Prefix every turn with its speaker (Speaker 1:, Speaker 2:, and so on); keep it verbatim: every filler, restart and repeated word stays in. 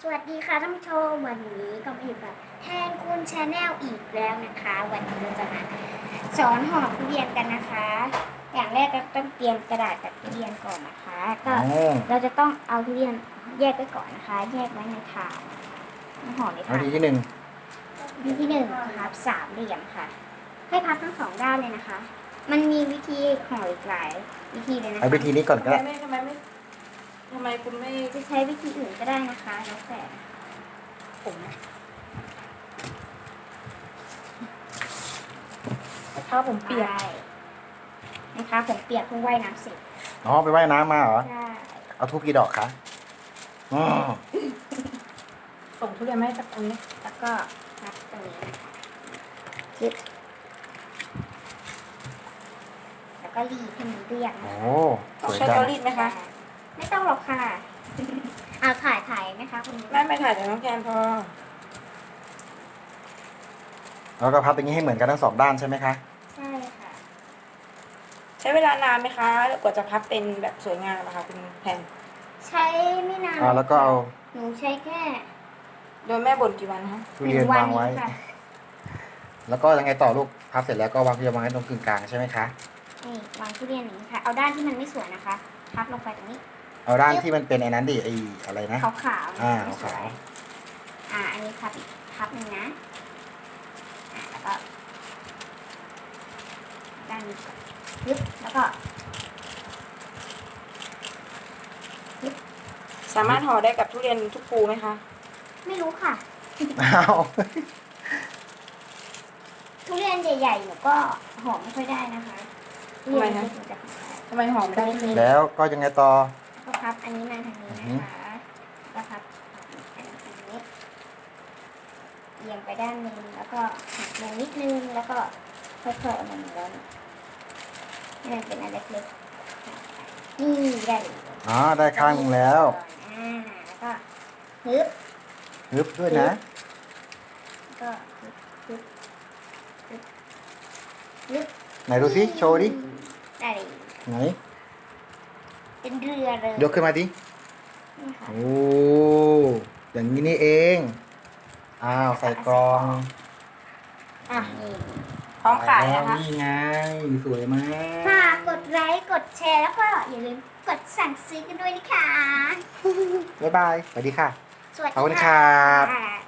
Speaker 1: สวัสดีค่ะท่านผู้ชมวันนี้ก็มาอยู่กับแทนคุณชาแนลอีกแล้วนะคะ วันนี้เราจะมาสอนห่อทุเรียนกันนะคะ อย่างแรกก็ต้องเตรียมกระดาษกับทุเรียนก่อนนะคะก็เราจะต้องเอาทุเรียนแยกไว้ก่อนนะคะ แยกไว้ในถาดห่อในถาด
Speaker 2: วิธีที่หนึ่ง
Speaker 1: วิธีที่หนึ่งพับสามเหลี่ยมค่ะ ให้พับทั้งสองด้านเลยนะคะ มันมีวิธีห่ออีกหลายวิธีเลยนะคะ
Speaker 2: เอาวิธีนี้ก่อนก็
Speaker 3: ทำไม
Speaker 2: ได้
Speaker 3: ไม่ทำไมไม่ทำไมคุณไม่
Speaker 1: จะใช้วิธีอื่นก็ได้นะคะแล้วแต่ผม
Speaker 3: ถ้าผมเปียก
Speaker 1: ได้นะคะผมเปียกเพิ่งว่ายน้ำเสร็จ
Speaker 2: อ๋อไปว่ายน้ำมาเหรอ
Speaker 1: ใช่
Speaker 2: เอาทูบกี่ดอกคะอ๋อ
Speaker 3: ส่งทุเรียนมาให้สักอันนี้
Speaker 1: แล้วก็พับตรงนี้นะคะยึดแล้วก็รีดให้มันเรียบนะ
Speaker 2: โอ้
Speaker 1: คะ
Speaker 2: สวย
Speaker 3: ใช้
Speaker 2: จั
Speaker 3: เตาง รีดไหมคะ
Speaker 1: ไม่ต้องหรอกค่ะ เอาถ่ายถ่ายไหมคะคุณ
Speaker 3: ไม่ไม่ถ่ายแต่น้องแกนพอ
Speaker 2: แล้วก็พับอย่างนี้ให้เหมือนกันทั้งสองด้านใช่ไหมคะ
Speaker 1: ใช่ค่ะ
Speaker 3: ใช้เวลานานไหมคะกว่าจะพับเป็นแบบสวยงามนะคะคุณแพน
Speaker 1: ใช้ไม่นาน
Speaker 2: อ่าแล้วก็เอา
Speaker 1: หนูใช้แค่
Speaker 3: โดยแม่บ่นกี่วันคะ
Speaker 2: ทุเรียนวางไว้
Speaker 1: หนึ่ค่ะ
Speaker 2: แล้วก็ยังไงต่อลูก พับเสร็จแล้วก็วางทุเรียนวางไว้ตรงกึ่งกลางใช่ไหมคะ
Speaker 1: นี่วางทุเรียนอย่างนี้ค่ะ เอาด้านที่มันไม่สวยนะคะ พับลงไปตรงนี้
Speaker 2: เอาด้านที่มันเป็นไอ้นั้นดิไอ้อะไรนะ
Speaker 1: ขาวขาวๆ
Speaker 2: อ่า
Speaker 1: ไม่สวย
Speaker 2: ขาว
Speaker 1: อ่า อันนี้พับอีกพับหนึ่งนะอ่าแล้วก็ ด้านนี้ก่อนยึบแล้วก็
Speaker 3: สามารถห่อได้กับทุเรียนทุกภูไหมคะ
Speaker 1: ไม่รู้ค่ะ
Speaker 2: อ้าว
Speaker 1: ทุเรียนใหญ่ๆหนูก็หอมไม่ค่อยได้นะคะทุเรียนเล็กๆหนูจะหอมได้
Speaker 3: ทำไมหอมได้
Speaker 1: เล็ก
Speaker 2: แล้วก็ยังไงต่อ
Speaker 1: ๆก็พับอันนี้มาทางนี้นะคะแล้วพับอันนี้เอียงไปด้านหนึงแล้วก็หักลงนิดนึงแล้วก็ค่อยๆเอามันลงให้มันเป็นอันเล็กๆนี่ได้เลย
Speaker 2: อ๋อ ได้ข้างหนึงแล้ว
Speaker 1: อ่าแล้วก็ฮึบ
Speaker 2: ฮึบด้วยนะ
Speaker 1: แล้วก็ฮึบฮึบฮึบฮึบ
Speaker 2: ไหนดูสิโชว์ดิ
Speaker 1: ได้เลย
Speaker 2: ไหน
Speaker 1: เป็นเรือเลย
Speaker 2: ยกขึ้นมาดิ
Speaker 1: นี่ค่ะ
Speaker 2: โอ้ อย่างนี้นี่เอง อ้าว ใส่กรอง
Speaker 1: อ่ะนี่
Speaker 3: พร้อมขาย
Speaker 2: แล้ว
Speaker 3: นะคะ
Speaker 2: นี่ไง สวยมาก
Speaker 1: ฝากกดไลค์กดแชร์แล้วก็อย่าลืมกดสั่งซื้อกันด้วยนะคะ
Speaker 2: บ๊ายบาย สวัสดีค่ะ
Speaker 1: สวัสดี
Speaker 2: ขอบคุณครับ
Speaker 1: ค่ะ